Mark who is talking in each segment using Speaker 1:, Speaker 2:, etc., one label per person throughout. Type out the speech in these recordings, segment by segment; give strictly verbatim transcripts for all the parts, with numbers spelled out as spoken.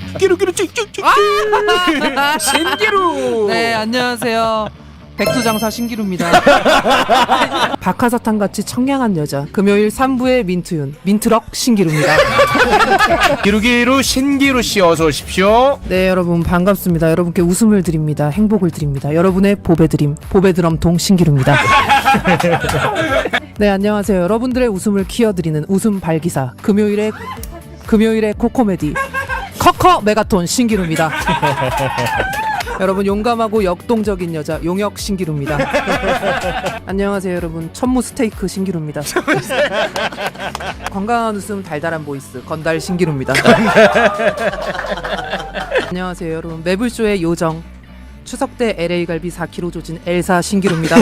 Speaker 1: 기루기루 찍찍찍 신기루.
Speaker 2: 네, 안녕하세요. 백두장사 신기루입니다. 박하사탕 같이 청량한 여자. 금요일 삼 부의 민트윤, 민트럭 신기루입니다.
Speaker 1: 기루기루 신기루 씨 어서 오십시오.
Speaker 2: 네, 여러분 반갑습니다. 여러분께 웃음을 드립니다. 행복을 드립니다. 여러분의 보배 드림, 보배 드럼통 신기루입니다. 네, 안녕하세요. 여러분들의 웃음을 키워드리는 웃음 발기사. 금요일의 금요일의 코코메디 커커 메가톤 신기루입니다. 여러분 용감하고 역동적인 여자 용역 신기루입니다. 안녕하세요 여러분 천무 스테이크 신기루입니다. 건강한 웃음 달달한 보이스 건달 신기루입니다. 안녕하세요 여러분 매불쇼의 요정 추석 때 엘에이 갈비 사 킬로그램 조진 엘사 신기루입니다.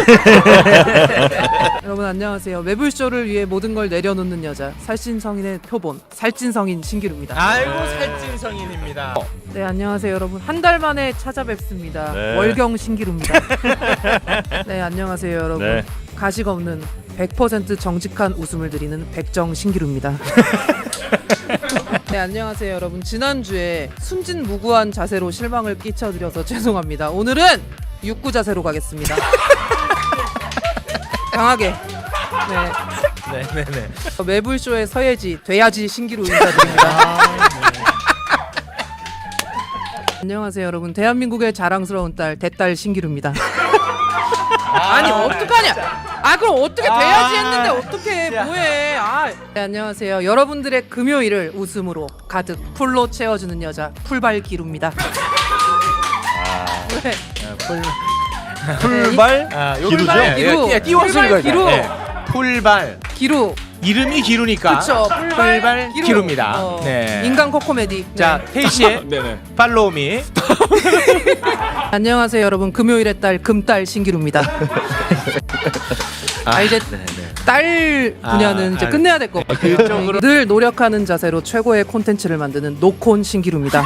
Speaker 2: 여러분 안녕하세요. 매불쇼를 위해 모든 걸 내려놓는 여자 살찐 성인의 표본 살찐 성인 신기루입니다.
Speaker 1: 아이고 살찐 성인입니다.
Speaker 2: 네 안녕하세요 여러분 한 달 만에 찾아뵙습니다.
Speaker 3: 네.
Speaker 2: 월경 신기루입니다. 네 안녕하세요 여러분
Speaker 3: 네.
Speaker 2: 가식 없는 백 퍼센트 정직한 웃음을 드리는 백정 신기루입니다. 네 안녕하세요 여러분 지난주에 순진무구한 자세로 실망을 끼쳐드려서 죄송합니다. 오늘은 육구 자세로 가겠습니다. 강하게 네.
Speaker 1: 네네네.
Speaker 2: 매불쇼의 서예지 돼야지 신기루 인사드립니다. 안녕하세요 여러분 대한민국의 자랑스러운 딸 대딸 신기루입니다. 아니 어떡하냐 아 그럼 어떻게 돼야지 했는데 어떻게 뭐해 아. 네, 안녕하세요 여러분들의 금요일을 웃음으로 가득 풀로 채워주는 여자 풀발 기루입니다. 네.
Speaker 1: 풀발 아,
Speaker 3: 기루죠?
Speaker 2: 기루.
Speaker 1: 띄워서
Speaker 2: 풀발
Speaker 1: 읽어야
Speaker 2: 기루.
Speaker 1: 돼. 풀발
Speaker 2: 기루
Speaker 1: 이름이 기루니까
Speaker 2: 그쵸 풀발,
Speaker 1: 풀발
Speaker 2: 기루.
Speaker 1: 기루입니다.
Speaker 2: 어,
Speaker 1: 네.
Speaker 2: 인간 코코메디.
Speaker 1: 자
Speaker 2: 네.
Speaker 1: 태희 씨의
Speaker 3: 네네.
Speaker 1: 팔로우미.
Speaker 2: 안녕하세요 여러분 금요일의 딸 금딸 신기루입니다. 아 이제 딸 분야는
Speaker 1: 아,
Speaker 2: 이제
Speaker 1: 아,
Speaker 2: 끝내야 될 것 같아요.
Speaker 1: 그쪽으로
Speaker 2: 늘 노력하는 자세로 최고의 콘텐츠를 만드는 노콘 신기루입니다.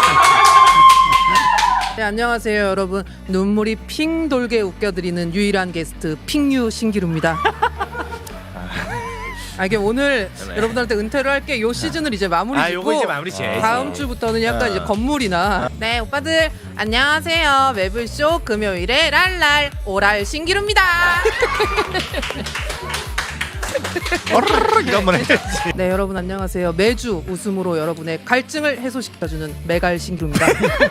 Speaker 2: 네, 안녕하세요 여러분 눈물이 핑 돌게 웃겨드리는 유일한 게스트 핑유 신기루입니다. 아 이게 오늘
Speaker 1: 네.
Speaker 2: 여러분들한테 은퇴를 할게 요 시즌을 이제 마무리
Speaker 1: 아
Speaker 2: 짓고
Speaker 1: 요거 이제 마무리 지어야지.
Speaker 2: 다음 주부터는 약간
Speaker 1: 어.
Speaker 2: 이제 건물이나 네 오빠들 안녕하세요 매불쇼 금요일에 랄랄 오랄 신기루입니다.
Speaker 1: 이거 한번 해야지.
Speaker 2: 네 여러분 안녕하세요 매주 웃음으로 여러분의 갈증을 해소시켜주는 메갈 신기루입니다.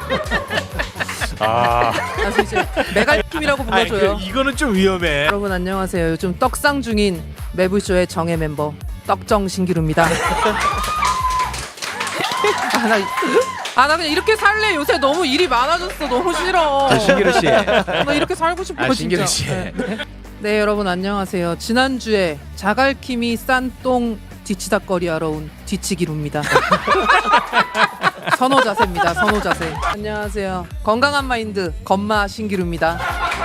Speaker 3: 아,
Speaker 2: 그래서 이제 메갈팀이라고
Speaker 1: 아니,
Speaker 2: 불러줘요.
Speaker 1: 그, 이거는 좀 위험해.
Speaker 2: 여러분 안녕하세요 요즘 떡상 중인 매불쇼의 정예 멤버 떡정 신기루입니다. 아, 나, 아, 나 그냥 이렇게 살래. 요새 너무 일이 많아졌어. 너무 싫어.
Speaker 1: 아, 신기루 씨.
Speaker 2: 나 이렇게 살고 싶어.
Speaker 1: 아,
Speaker 2: 진짜.
Speaker 1: 신기루 씨.
Speaker 2: 네, 네. 네, 여러분 안녕하세요. 지난주에 자갈킴이 싼 똥 뒤치다거리 하러 온 뒤치기루입니다. 선호 자세입니다. 선호 자세. 안녕하세요. 건강한 마인드 건마 신기루입니다.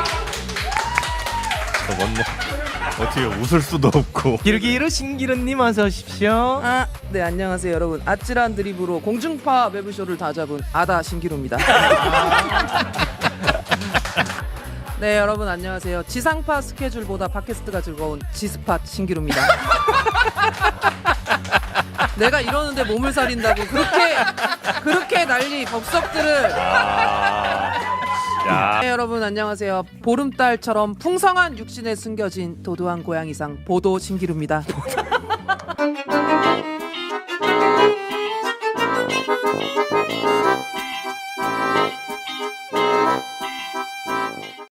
Speaker 3: 뭔 어떻게 웃을 수도 없고.
Speaker 1: 기루기루 신기루님 어서 오십시오.
Speaker 2: 아, 네 안녕하세요 여러분. 아찔한 드립으로 공중파 매불쇼를 다 잡은 아다 신기루입니다. 네 여러분 안녕하세요. 지상파 스케줄보다 팟캐스트가 즐거운 지스팟 신기루입니다. 내가 이러는데 몸을 사린다고 그렇게 그렇게 난리 법석들을.
Speaker 3: 아, 야.
Speaker 2: 네, 여러분 안녕하세요. 보름달처럼 풍성한 육신에 숨겨진 도도한 고양이상 보도 신기루입니다.